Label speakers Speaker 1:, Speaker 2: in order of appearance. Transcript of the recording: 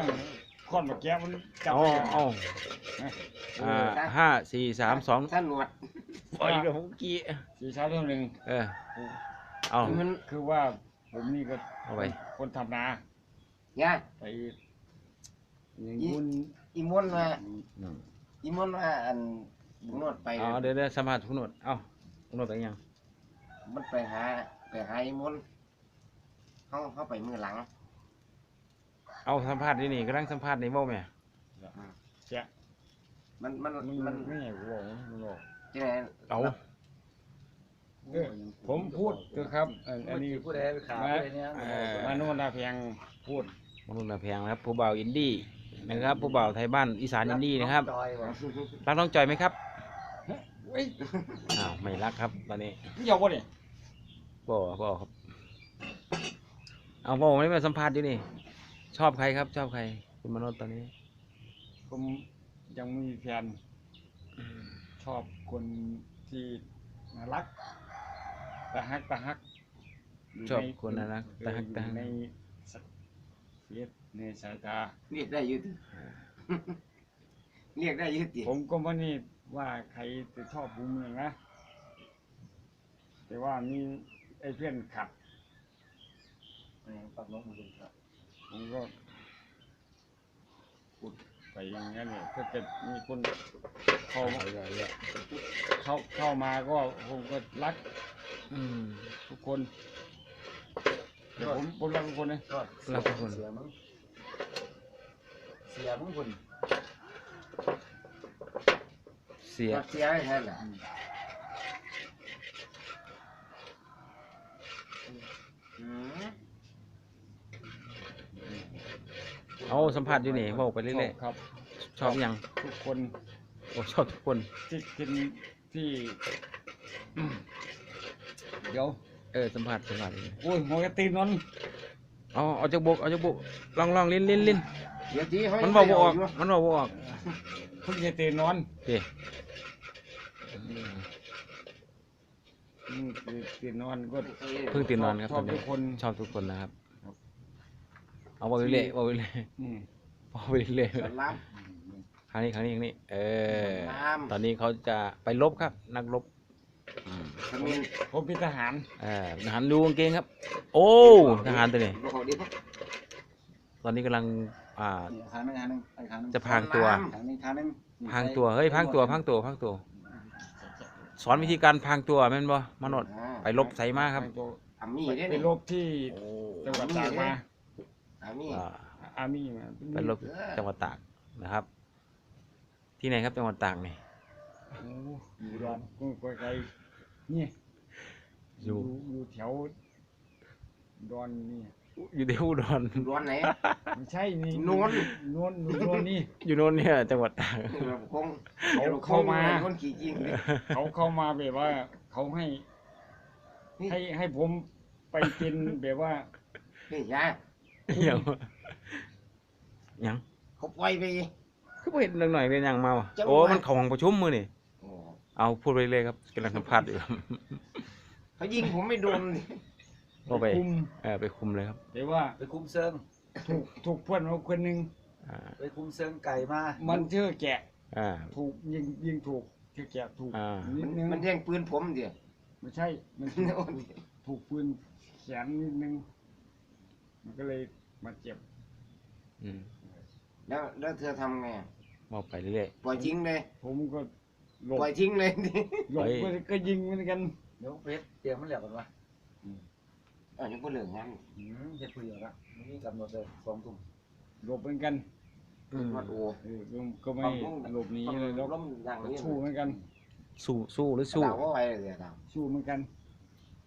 Speaker 1: ต้องค้อนมาแก้มันจับ
Speaker 2: เอา5 4 3 2
Speaker 3: ท่านหนวด
Speaker 2: ปล่อยกับผมกี้
Speaker 1: สีเช้าเท่านึง
Speaker 2: เอา
Speaker 3: มัน
Speaker 1: คือว่าผมนี่ก็
Speaker 2: เอาไป
Speaker 1: คนทำนา
Speaker 3: ย่า
Speaker 1: ไปอย่างคุณ
Speaker 3: อีมอนมาอันนวดไป
Speaker 2: เดี๋ยวสัมภาษณ์คุณโนดเอาคุณโนดเป็นยัง
Speaker 3: มันไปหาอีมอนเข้าไปมือหลัง
Speaker 2: เอาสัมภาษณ์นี่กำลังสัมภาษณ์ในโม่แม่
Speaker 1: เสีย
Speaker 3: มัน
Speaker 1: มันไม่ใช่กูบอกมันบอก
Speaker 3: ที่ไหน
Speaker 2: เอา
Speaker 1: ผมพูดคือครับอันนี้
Speaker 4: ผู้ใดไปขายอะไรเนี่ย
Speaker 1: มาโนนาเพียงพูด
Speaker 2: มนุษย์แพงนะครับผู้บ่าวอินดี้นะครับผู้บ่าวไทยบ้านอีสานอินดี้นะครับ
Speaker 4: จอยว่ะ
Speaker 2: รักน้องจอยไหมครับ
Speaker 1: เฮ้ย
Speaker 2: อ้าวไม่รักครับตอนนี้
Speaker 1: พี่ยาววะเนี่ย
Speaker 2: บ่ครับเอาผมไม่มาสัมภาษณ์อยู่นี่ชอบใครครับชอบใครคุณมโนดตอนนี้
Speaker 1: ผมยังไม่มีแฟนชอบคนที่น่ารักตาฮัก
Speaker 2: ชอบคนน่ารักตาฮัก
Speaker 1: ในเฟียสในสายตา
Speaker 3: เรียกได้ยืดเรียกได้ยืดดิ
Speaker 1: ผมก็ไม่นี่ว่าใครจะชอบผมเลยนะแต่ว่ามีไอ้เพื่อนขับ
Speaker 4: ปักน้องมือครับ
Speaker 1: ผมก็พูดไปอย่างนั้นเนี่ยถ้าเกิดมีคนเข้ามาก็ผมก็รักทุกคนแต่ผมรักทุกคนนะ
Speaker 2: รักทุกคน
Speaker 4: เสียมึงคุณ
Speaker 2: เสีย
Speaker 3: เสียให้แทนแหละ
Speaker 2: เอาสัมภาษณ์อยู่นี่บอกไปเรื่อย
Speaker 1: ครับ
Speaker 2: ๆชอบยัง
Speaker 1: ทุกคน
Speaker 2: โอ้ชอบทุกคน
Speaker 1: ที่กินที่เดี๋ยว
Speaker 2: สัมภาษณ์อยู่นี่
Speaker 1: โอ้ยหัวกระตีนนอน
Speaker 2: เอาจากบกลองลิ้น
Speaker 3: เดี๋ยวทีเขา
Speaker 2: มันบอกบ่ออกมันบอกบ่ออก
Speaker 1: เพิ่งจะตีนนอน
Speaker 2: เด้
Speaker 1: ตีนนอนก็
Speaker 2: เพิ่งตื่นนอนครับ
Speaker 1: ช
Speaker 2: ต
Speaker 1: อ
Speaker 2: อบ น
Speaker 1: ทุ
Speaker 2: นี้
Speaker 1: กคน
Speaker 2: ชอบทุกคนนะครับ
Speaker 1: ครับ
Speaker 2: เอาบอกไปเรื่อยบอกไปเรื่อย
Speaker 1: อืม
Speaker 2: บอกไปเรื่อย
Speaker 3: สอนรับ
Speaker 2: ครั้งนี้อย่างนี้
Speaker 3: ครับ
Speaker 2: ตอนนี้เขาจะไปรบครับนักรบ
Speaker 3: ขมิ้น
Speaker 1: ผมเป็นทหาร
Speaker 2: ทหารดูกางเกงครับ โอ้ทหารตัวนี้
Speaker 3: บอกดิ
Speaker 2: ตอนนี้กำลัง
Speaker 4: ทางนึง
Speaker 2: จะพรางตัว
Speaker 4: ทางนึง
Speaker 2: พรางตัวเฮ้ยพรางตัวสอนวิธีการพรางตัวแม่นบ่มโนดไปรบใส่มาครับ
Speaker 3: อามี่ได้
Speaker 1: ไป
Speaker 3: นี่
Speaker 1: รบที่จังหวัดตากมา
Speaker 3: อามี่
Speaker 1: อาร์มี่มา
Speaker 2: ไปรบจังหวัดตากนะครับ ที่ไหนครับจังหวัดตากนี่
Speaker 1: โอ้อยู่ดอนกุ้งไกลๆนี่อยู่แถวดอนนี่
Speaker 2: อยู่ที่อุดร
Speaker 3: ร้อนไหน
Speaker 1: ไม่ใช่นี่
Speaker 3: นวล
Speaker 1: นวลนี่
Speaker 2: อยู่โน่นเนี่ยจังหวัดตาก
Speaker 3: คง
Speaker 1: เข้ามา
Speaker 3: คนขี่จริง
Speaker 1: เขาเข้ามาแบบว่า เขาให้ผมไปเป็นแบบว่า
Speaker 3: นี่ยา
Speaker 2: ยัง
Speaker 3: เขาปล่อยไป
Speaker 2: คือบ่เห็นเรื่องหน่อยเป็นยังมาวะ
Speaker 3: จังหวะ
Speaker 2: โอ้มันเข้าห้องประชุมมื้อนี่เอาพูดไปเลยครับกำลังสัมภาษณ์อยู่ครับ
Speaker 3: เขายิงผมไม่โดน
Speaker 2: ก็ไป
Speaker 1: คุม
Speaker 2: ไปคุมเลยครับ
Speaker 1: แต่ว่า
Speaker 4: ไปคุมเซิง
Speaker 1: ถูกเพื่อนเราคนหนึ่ง
Speaker 2: อ่า
Speaker 4: ไปคุมเซิงไก่มา
Speaker 1: มันเชื่อแกะ
Speaker 2: อ่า
Speaker 1: ถูกยิงถูกเชื่อแกะถูก
Speaker 2: อ่า
Speaker 1: นิดนึง
Speaker 3: มันแย่งปืนผมเดี๋ยว
Speaker 1: ไม่ใช่ มันถูกปืนแขนนิดนึง มันก็เลยมาเจ็บ
Speaker 2: อืม
Speaker 3: แล้วเธอทำไง
Speaker 2: บอกไปเรื่อย
Speaker 3: ปล่อยทิ้งเลย
Speaker 1: ผมก็หลบ
Speaker 3: ปล่อยทิ้งเลยดิ
Speaker 1: หลบก็ยิงเหมือนกัน
Speaker 4: เดี๋ยวเพชรเตรียมมันเหลือกันวะ
Speaker 3: ยังก็เหลืองงั้น
Speaker 4: เพชรคุยอยู่ละนี่กำหนดเลย2 ทุ่ม
Speaker 1: หลบเหมือนกัน
Speaker 3: วัดโอ้
Speaker 1: ก็ไม่หลบหนีเลยแล้ว
Speaker 3: ล้มดังนี้
Speaker 1: สู้เหมือนกัน
Speaker 2: สู้หรือสู้
Speaker 3: ดาวว่าไว้เลยดาว
Speaker 1: สู้เหมือนกัน